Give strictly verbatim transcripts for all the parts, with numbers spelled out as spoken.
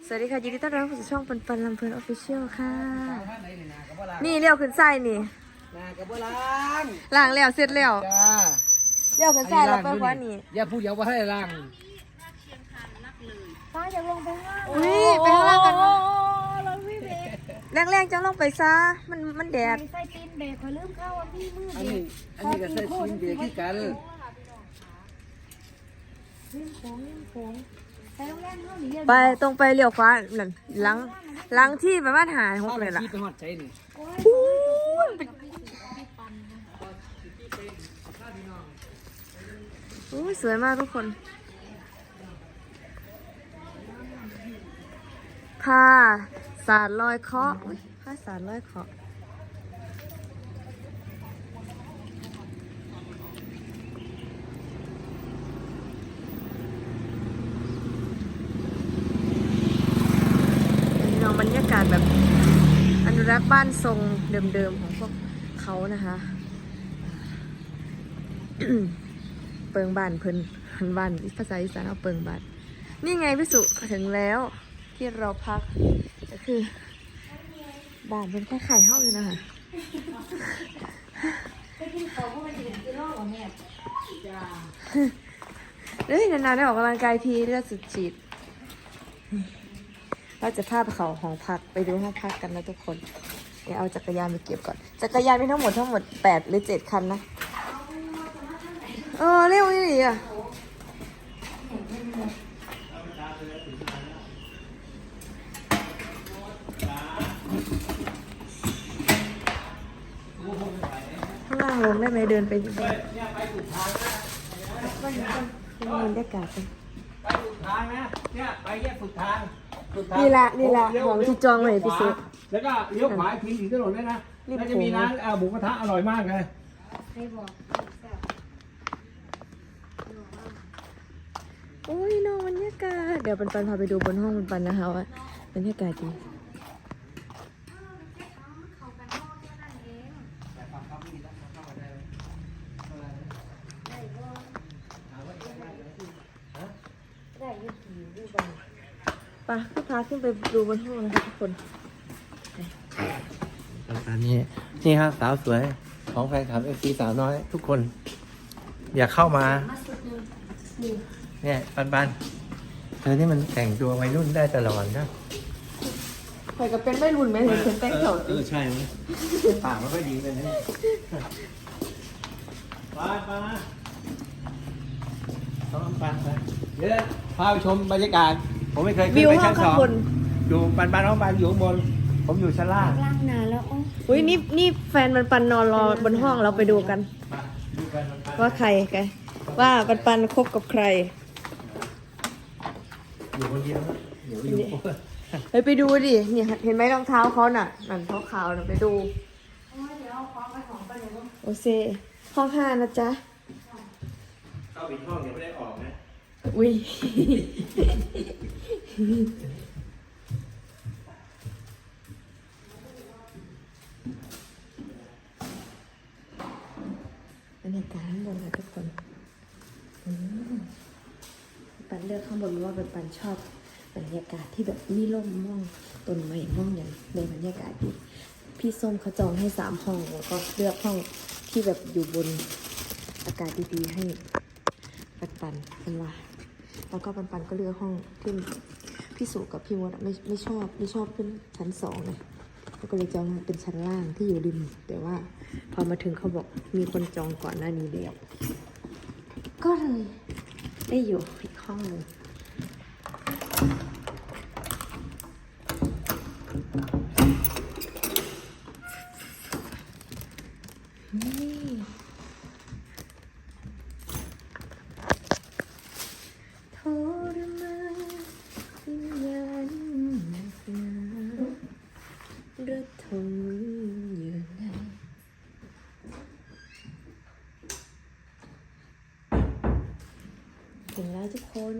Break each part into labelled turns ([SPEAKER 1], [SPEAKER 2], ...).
[SPEAKER 1] สวัสดีค่ะยินดีต้อนรับเข้าสู่ช่องปันปันลำเพลินออฟฟิเชียลค่ะนี่เลี้ยวขึ้นไส้นี่ล้างแล้วเสร็จแล้วเลี้ยวขึ้นไส้แล้วไปว่านี่
[SPEAKER 2] อย่าพูดอย่าว่าให้ล่าง
[SPEAKER 1] ป้าจะลงไปห้างอุ้ยไปข้างล่างกันแรงๆจังลงไปซะมันมันแดด
[SPEAKER 3] ใส่ตีนเบรกคอยลืมเข้าว่าพี่มือ
[SPEAKER 2] อัน
[SPEAKER 3] เด็
[SPEAKER 2] นี้
[SPEAKER 3] ก
[SPEAKER 2] อันนี้ก็ใส่ชิ้นเดียวที่กัน
[SPEAKER 3] ลืมโค้งลืมโค้งไปโรงแรมเท่านี้
[SPEAKER 1] ไปตรงไปเลี้ยวขวานั่นหลังหลังที่ประมาณหาหกเลยล่ะ
[SPEAKER 2] ไปหอดใจนี่
[SPEAKER 1] อู้สวยมากทุกคนผ้าสาดลอยเคาะผ้าสาดลอยเคาะน้องบรรยากาศแบบอนุรักษ์บ้านทรงเดิมๆของพวกเขานะคะ เปิงบ้านเพิ่นบ้านภาษาอีสานเอาเปิงบ้านนี่ไงพี่สุถึงแล้วที่เราพักก็คือบ้านเป็นแค่ไข่ห้องอยู่นะคะเฮ้ยนานๆได้ออกกำลังกายทีเลือดสุดจีดเราจะพาไปเขาห้องพักไปดูห้องพักกันนะทุกคนเดี๋ยวเอาจักรยานไปเก็บก่อนจักรยานมีทั้งหมดทั้งหมดแปดหรือเจ็ดคันนะเออเร็วนี่อ่ะข้างล่างลงได้ไหมเดินไปดูบรรยากาศกัน
[SPEAKER 2] ไปสุดทางนะเนี่ยไปแยกสุดทาง
[SPEAKER 1] นี่ละนี่ละของที่จองไว้พี่สุ
[SPEAKER 2] แล้วก็เลี้ยวขวาทิ้งถึงถนนเลยนะแล้วจะมีร้านหมูกระทะอร่อยมากเลย
[SPEAKER 1] โอ้ยน้องบรรยากาศเดี๋ยวปันปันพาไปดูบนห้องปันปันนะคะว่าบรรยากาศดีไปขึ้นพาขึ้นไปดูบนห้องนะคะทุกคน
[SPEAKER 2] อันนี้นี่ครับสาวสวยของแฟนคลับเอฟซีสาวน้อยทุกคนอยากเข้ามาเนี่ยปันปันเธอนี่มันแต่งตัววัยรุ่นได้ตลอดนะ
[SPEAKER 1] ใครก็เป็นไม่รุนไหมเห็นเป็นแต่งเถา
[SPEAKER 2] เออใช่ไหมปากมันก็ดีเลยนะปานปานต้องปานไปเดี๋ยวพาไปชมบรรยากาศผมไม่เคยขึ้นไปชั้นสองอยู่ปันปันน้องปันอยู่ข้างบนผมอยู่ชั้นล่าง
[SPEAKER 3] ล่างนานแล้วอ๋อ
[SPEAKER 1] อุ้ยนี่นี่แฟนมันปันนอนรอบนห้องเราไปดูกันว่าใครแกว่าปันปันคบกับใคร
[SPEAKER 2] อยู่คนเดียวเดี๋ยวอยู่
[SPEAKER 1] เฮ้ยไปดูดิเนี่ยเห็นไหมรองเท้าเขาน่ะนั่นเขาขาวน่ะไปดูโอเคห้องห้านะจ๊ะ
[SPEAKER 2] เข้าปิดห้องเดี๋ยวไม่ได้ออกนะ
[SPEAKER 1] อุ้ยบรรยากาศข้างบนค่ะทุกคนปันเลือกข้างบนเพราะว่าปันชอบบรรยากาศที่แบบมีร่มม่องต้นไม้ม่องอย่างในบรรยากาศดีพี่ส้มเขาจองให้สามห้องแล้วก็เลือกห้องที่แบบอยู่บนอากาศดีๆให้ปันปันเป็นว่าแล้วก็ปันปันก็เลือกห้องที่พี่สุกับพี่มดไม่ไม่ชอบไม่ชอบขึ้นชั้นสองเลยแล้วก็เลยจองเป็นชั้นล่างที่อยู่ริมแต่ว่าพอมาถึงเขาบอกมีคนจองก่อนหน้านี้แล้วก็เลยได้อยู่อีกห้องหนึ่งทรมานวิญญาณสนาระทมอยู่ในถึงแล้วทุกคน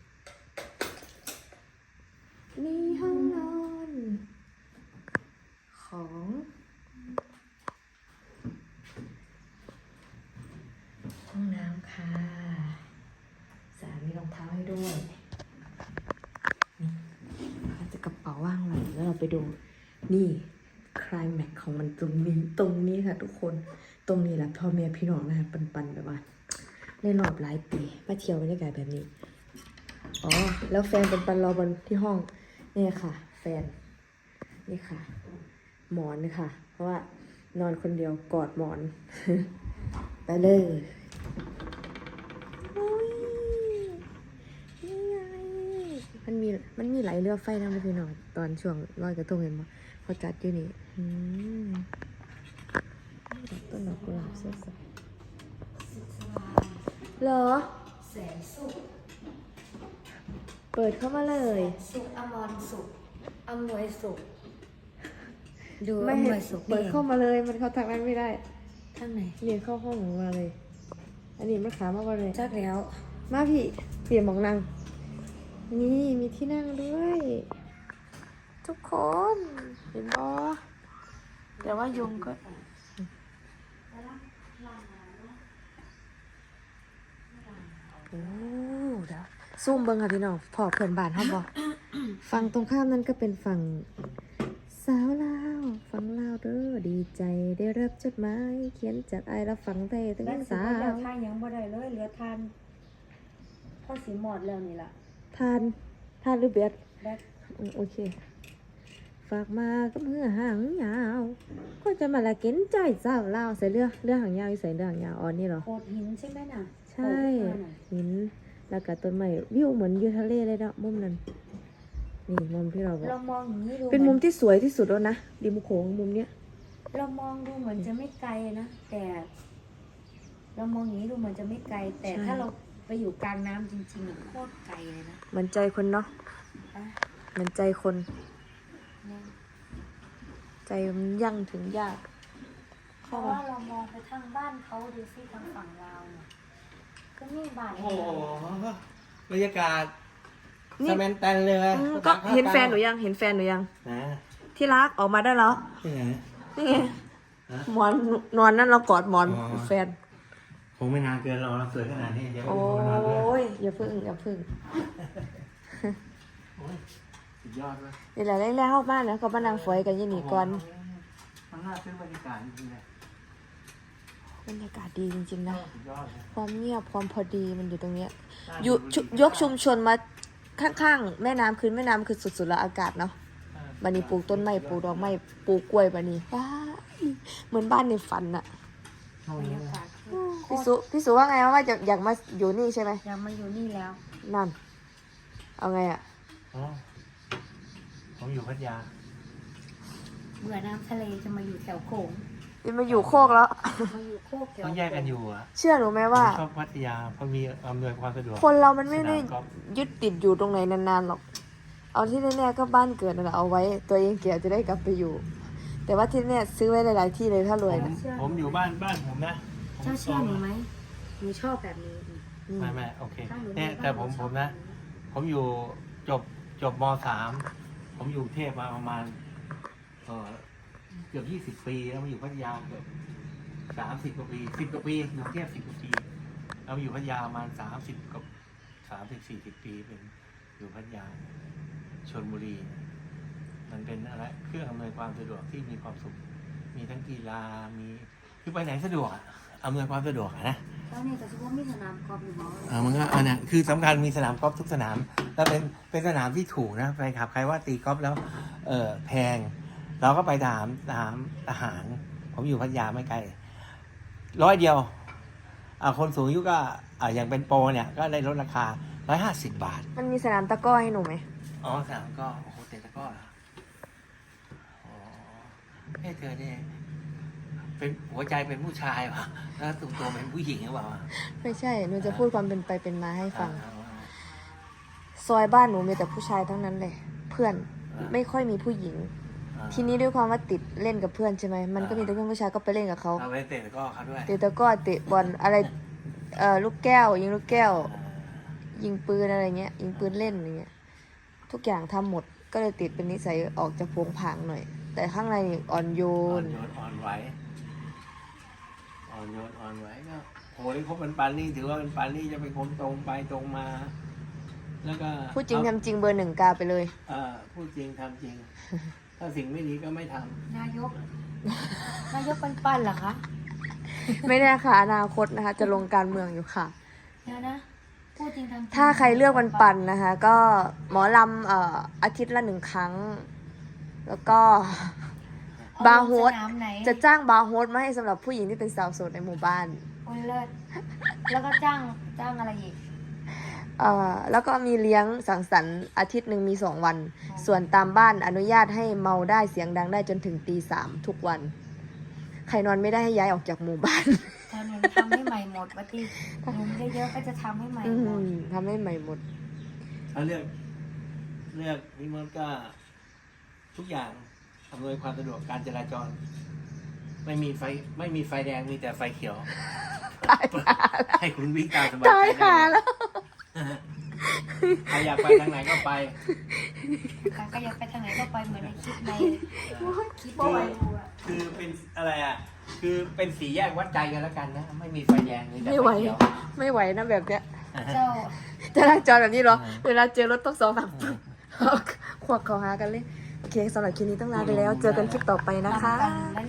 [SPEAKER 1] นี่ห้องนอนของห้องน้ำค่ะสามีรองเท้าให้ด้วยนี่กระเป๋าว่างไว้แล้วเราไปดูนี่คลายแม็กของมันตรงนี้ตรงนี้ค่ะทุกคนตรงนี้แหละพ่อแม่พี่น้องนะคะปันๆแบบว่าในรอบหลายปีมาเที่ยวบรรยากาศแบบนี้อ๋อแล้วแฟนเป็นปันรอบนที่ห้องนี่ค่ะ แฟนนี่ค่ะ หมอนค่ะ เพราะว่านอนคนเดียวกอดหมอน ไปเลยโอ้ยนี่ไงมันมีมันมีไหลเรือไฟนะพี่น้องตอนช่วงลอยกระทงเห็นไหมเขาจัดอยู่นี่อืมต้นดอกกุหลาบสดๆเหรอ
[SPEAKER 3] แสนสุข
[SPEAKER 1] เปิดเข้ามาเลย
[SPEAKER 3] สุขอมรสุขอำนวยสุขดู
[SPEAKER 1] ไม่
[SPEAKER 3] อำน
[SPEAKER 1] เห็
[SPEAKER 3] วน ยสุข
[SPEAKER 1] เปิด
[SPEAKER 3] นี่
[SPEAKER 1] เข้ามาเลยมันเข้าทางนั้นไม่ได้
[SPEAKER 3] ข้างไหน
[SPEAKER 1] เรียนเข้าห้องมาเลย อันนี้มันขามากกว่าเลย
[SPEAKER 3] จักแล้ว
[SPEAKER 1] มาพี่เปลี่ยนหมองนั่งนี่มีที่นั่งด้วย ทุกคนเห็นบอแต่ว่ายุงก็โอ้เดี๋ยวซูมเบิ้งค่ะพี่น้องพอเพื่อนบ้านเขาบอก ฝั่งตรงข้ามนั้นก็เป็นฝั่งสาวลาวฝั่งลาวเด้อดีใจได้รับจดหมายเขียนจากไอายและฝั่งไทยถึง
[SPEAKER 3] แล้วสิ
[SPEAKER 1] สา
[SPEAKER 3] บ่ได้
[SPEAKER 1] ว
[SPEAKER 3] ทานยังบ่ได้เลยเหลือทานพ่อสิหมดแล้วนี่ล่ะ
[SPEAKER 1] ทานทานหรือเบียด
[SPEAKER 3] แบก
[SPEAKER 1] อืมโอเค ฝากมากับเมื่อหางยาว ก็จะมาละเก็นใจเจ้าเล่าวใส่เรือเรือหางยาวอยู่ใส่เรือหางยาวอ๋อนี่เหรอ
[SPEAKER 3] โขดหินใช่ไหมน่ะ
[SPEAKER 1] ใช่
[SPEAKER 3] โขดขึ้นมาน่ะ
[SPEAKER 1] หินแล้วก็ต้นไม้วิวเหมือนอยู่ทะเลเลยเนาะมุมนั้นนี่มุมที่เราบอก
[SPEAKER 3] เรามองอย่างนี้ดู
[SPEAKER 1] เป็นมุม
[SPEAKER 3] หอ
[SPEAKER 1] ที่สวยที่สุดแล้วนะริมโขงมุมเนี้ย
[SPEAKER 3] เรามองดูเหมือนจะไม่ไกลนะแต่ เรามองอย่างนี้ดูเหมือนจะไม่ไกล แต่ถ้าเราไปอยู่กลางน้ำจริงๆอะโคตรไกลเลยนะ
[SPEAKER 1] เหมือนใจคนเนาะ
[SPEAKER 3] อ่ะ
[SPEAKER 1] เหมือนใจคน
[SPEAKER 3] เนี่ย
[SPEAKER 1] ใจมันยั่งถึงยาก
[SPEAKER 3] เพราะว่าเรามองไปทางบ้านเขาดูสิทางฝั่งลาวเนี่ยก็นี่บ้าน
[SPEAKER 2] โอ้โหบรรยากาศ
[SPEAKER 1] นี่
[SPEAKER 2] สแมนแตนเลย
[SPEAKER 1] อืมก็เห็นแฟนหนูยังเห็นแฟนหนูยัง
[SPEAKER 2] นะ
[SPEAKER 1] ที่รักออกมาได้แล้ว
[SPEAKER 2] ที่ไหน
[SPEAKER 1] นี่ไง
[SPEAKER 2] ฮะ
[SPEAKER 1] หมอนนอนนั่นเรากอดหมอน
[SPEAKER 2] อ๋อ
[SPEAKER 1] แฟน
[SPEAKER 2] คงไม่นานเกินเราเราสวยขนาดนี้เดี๋ยว
[SPEAKER 1] โอ้
[SPEAKER 2] ไปดูนานเลย
[SPEAKER 1] ยอย่าพึ่งอย่าพึ่ง
[SPEAKER 2] โอ้ยสุดยอดเลย
[SPEAKER 1] นี่แหละแรกๆเข้าบ้านนะก็บ้านนางฝอยกันอยี่นี่ก่อน
[SPEAKER 2] มันน่าซื้อบรรยากาศจริงๆเลย
[SPEAKER 1] บรรยากาศดีจริงๆนะ
[SPEAKER 2] สุดยอดเลย
[SPEAKER 1] ความเงียบความพอดีมันอยู่ตรงเนี้ย
[SPEAKER 2] น่า
[SPEAKER 1] อยู่
[SPEAKER 2] ดู
[SPEAKER 1] ชุยกชุมชนมาข้างๆแม่น้ำคือแม่น้ำคือสุดๆแล้วอากาศเนาะบันนี้ปลูกต้นไม้ปลูกดอกไม้ปลูกกล้วยบันนี้ว้ายเหมือนบ้านในฝันอะ
[SPEAKER 2] ช่วง
[SPEAKER 3] บรร
[SPEAKER 2] นี้
[SPEAKER 3] ยากาศคือ
[SPEAKER 1] พี่สุพี่สุว่าไงว่าจะอยากมาอยู่นี่ใช่ไหม
[SPEAKER 3] อยากมาอยู่นี่แล้ว
[SPEAKER 1] นั่น เอาไงอะ
[SPEAKER 2] อ๋อผมอยู่พัทยา
[SPEAKER 3] เบื่อน้ำทะเลจะมาอยู่แถวโขง
[SPEAKER 1] จะมาอยู่โคกแล้ว
[SPEAKER 3] มาอยู่โคกแถว
[SPEAKER 2] ต้องแยกกันอยู่อ่ะ
[SPEAKER 1] เชื่อหนูไหม
[SPEAKER 2] ผม
[SPEAKER 1] ว่า
[SPEAKER 2] ชอบพัทยาเพราะมีอำนวยความสะดวก
[SPEAKER 1] คนเรามันไม่ได้
[SPEAKER 2] สนามกอล์ฟ
[SPEAKER 1] ยึดติดอยู่ตรงไหนนานๆหรอก เอาที่แน่ๆก็บ้านเกิดนั่นแหละเอาไว้ ตัวเองเกียจะได้กลับไปอยู่ แต่ว่าที่แน่ซื้อไว้หลายๆที่เลยถ้ารวย
[SPEAKER 2] ผม
[SPEAKER 1] นะ
[SPEAKER 2] ผมอยู่บ้านบ้านผมนะผม
[SPEAKER 3] เจ้าเชื่อหนูไหมหนูชอบแบบนี้
[SPEAKER 2] ไม่ไม่โอเค
[SPEAKER 3] ถ้าหนู
[SPEAKER 2] เนี่ย
[SPEAKER 3] มีบ้าน
[SPEAKER 2] แต่ผม
[SPEAKER 3] หนูช
[SPEAKER 2] ผ
[SPEAKER 3] อบ
[SPEAKER 2] มนะ ผมอยู่จบจบมสามผมอยู่กรุงเทพมาประมาณเออเกือบยี่สิบปีแล้วมาอยู่พัทยาเกือบสามสิบกว่าปีสิบกว่าปีอยู่กรุงเทพสิบกว่าปีเรามาอยู่พัทยาประมาณสามสิบกับสามสิบสี่สิบปีเป็นอยู่พัทยาชลบุรี มันเป็นอะไรเครื่องอำนวยความสะดวกที่มีความสุข มีทั้งกีฬามีคือไปไหนสะดวกอะอำนวยความสะดวกอะนะ
[SPEAKER 3] แล้วนี่แต่เฉพาะมีสนามกอล์ฟอยู่บ้าง
[SPEAKER 2] อ่ามันก็อันนี้คือสำคัญมีสนามกอล์ฟทุกสนาม แล้วเป็นเป็นสนามที่ถูกนะไปขับใครว่าตีกอล์ฟแล้ว เออแพง เราก็ไปถามถามทหาร ผมอยู่พัทยาไม่ไกลร้อยเดียวอ่าคนสูงอายุก็อ่าอย่างเป็นโปรเนี่ย ก็ได้ลดราคาร้อยห้าสิบบาท
[SPEAKER 1] มันมีสนามตะกร้อให้หนูไหม
[SPEAKER 2] อ๋อสนามก็โอ้โหเตะตะกร้อเหรออ๋อเฮ้ยเธอเนี่ยเป็นหัวใจเป็นผู้ชายวะแล้วตัวตัวเป็นผู้หญิงหรือเปล่าวะ
[SPEAKER 1] ไม่ใช่ หนูจะพูดความเป็นไปเป็นมาให้ฟัง
[SPEAKER 2] อ่า
[SPEAKER 1] ซอยบ้านหนูมีแต่ผู้ชายทั้งนั้นเลย เพื่อน
[SPEAKER 2] อ่า
[SPEAKER 1] ไม่ค่อยมีผู้หญิง
[SPEAKER 2] อ่า
[SPEAKER 1] ทีนี้ด้วยความว่าติดเล่นกับเพื่อนใช่ไหม มันก็มีแต่เพื่อนผู้ชายก็ไปเล่นกับเขา
[SPEAKER 2] เราไปเตะตะกร้อเขาด้วย
[SPEAKER 1] เตะตะกร้อเตะบอลอะไร เอ่อลูกแก้ว ยิงลูกแก้ว ยิงปืนอะไรเงี้ย ยิงปืนเล่นอะไรเงี้ย ทุกอย่างทำหมด ก็เลยติดเป็นนิสัยออกจะโผงผางหน่อย แต่ข้างในนี่อ่อนโย
[SPEAKER 2] อ่อน
[SPEAKER 1] น
[SPEAKER 2] โยนอ่อนไหวอ่อนโยนอ่อนไหวก็โหยเขาเป็นปานนี่ถือว่าเป็นปานนี่จะเป็นคนตรงไปตรงมาแล้วก็
[SPEAKER 1] พูดจริงทำจริงเบอร์หนึ่งกาไปเลย
[SPEAKER 2] เอ่อพูดจริงทำจริง ถ้าสิ่งไม่ดีก็ไม่ทำ
[SPEAKER 3] นายก นายกปันปันเหรอคะ
[SPEAKER 1] ไม่แน่ค่ะอนาคตนะคะ จะลงการเมืองอยู่ค่ะ
[SPEAKER 3] เดี๋ยวนะ พูดจริงทำจริง
[SPEAKER 1] ถ้าใครเลือกวันปันนะคะ ก็หมอลำเอ่ออาทิตย์ละหนึ่งครั้ง แล้วก็
[SPEAKER 3] เอ
[SPEAKER 1] บาร์โฮส
[SPEAKER 3] สนามไหน
[SPEAKER 1] จะจ้างบาร์โฮสมาให้สำหรับผู้หญิงที่เป็นสาวโสดในหมู่บ้าน
[SPEAKER 3] โอ้ยเลิศแล้วก็จ้างจ้างอะไรอีก
[SPEAKER 1] เอ่อแล้วก็มีเลี้ยงสังสรรค์อาทิตย์หนึ่งมีสองวัน ส่วนตามบ้านอนุญาตให้เมาได้เสียงดังได้จนถึงตีสามทุกวัน ใครนอนไม่ได้ให้ย้ายออกจากหมู่บ้าน
[SPEAKER 3] แถวหนูทำให้ใหม่หมดวัตีหนูเยอะๆก็จะทำให้ใหม่
[SPEAKER 1] อื
[SPEAKER 3] หมด
[SPEAKER 1] มทำให้ใหม่หมด
[SPEAKER 2] ถ้าเลือกเลือกพี่มดก็ทุกอย่างอำนวยความสะดวกการจราจร ไม่มีไฟไม่มีไฟแดงมีแต่ไฟเขียว
[SPEAKER 1] ตายหาแล้ว
[SPEAKER 2] ให้คุณวิ่งตามสบาย
[SPEAKER 1] ตาย
[SPEAKER 2] ใจ
[SPEAKER 1] หา
[SPEAKER 2] ได้
[SPEAKER 1] แล้ว
[SPEAKER 2] ใครอยากไปทางไหนก็ไป
[SPEAKER 3] ค่ะก็อยากไปทางไหนก็ไปเหมือนในคลิปในคลิป
[SPEAKER 2] คือ
[SPEAKER 3] ไว้ดูอะ
[SPEAKER 2] คือเป็นอะไรอ่ะ คือเป็นสีแยกวัดใจกันแล้วกันนะ ไม่มีไฟแดงมีแต่
[SPEAKER 1] ไม่
[SPEAKER 2] ไฟ
[SPEAKER 1] ไหว
[SPEAKER 2] เขียว
[SPEAKER 1] ไม่ไหวนะแบบเนี้ย
[SPEAKER 3] เจ้า
[SPEAKER 1] จราจรแบบนี้เหรอ เวลาเจอรถต้องสองสามปึ๊บขวักเขาหากันเลย โอเคสำหรับคลิปนี้ต้องลาไปแล้ว เจอกันคลิปต่อไปนะคะ
[SPEAKER 3] ปันๆ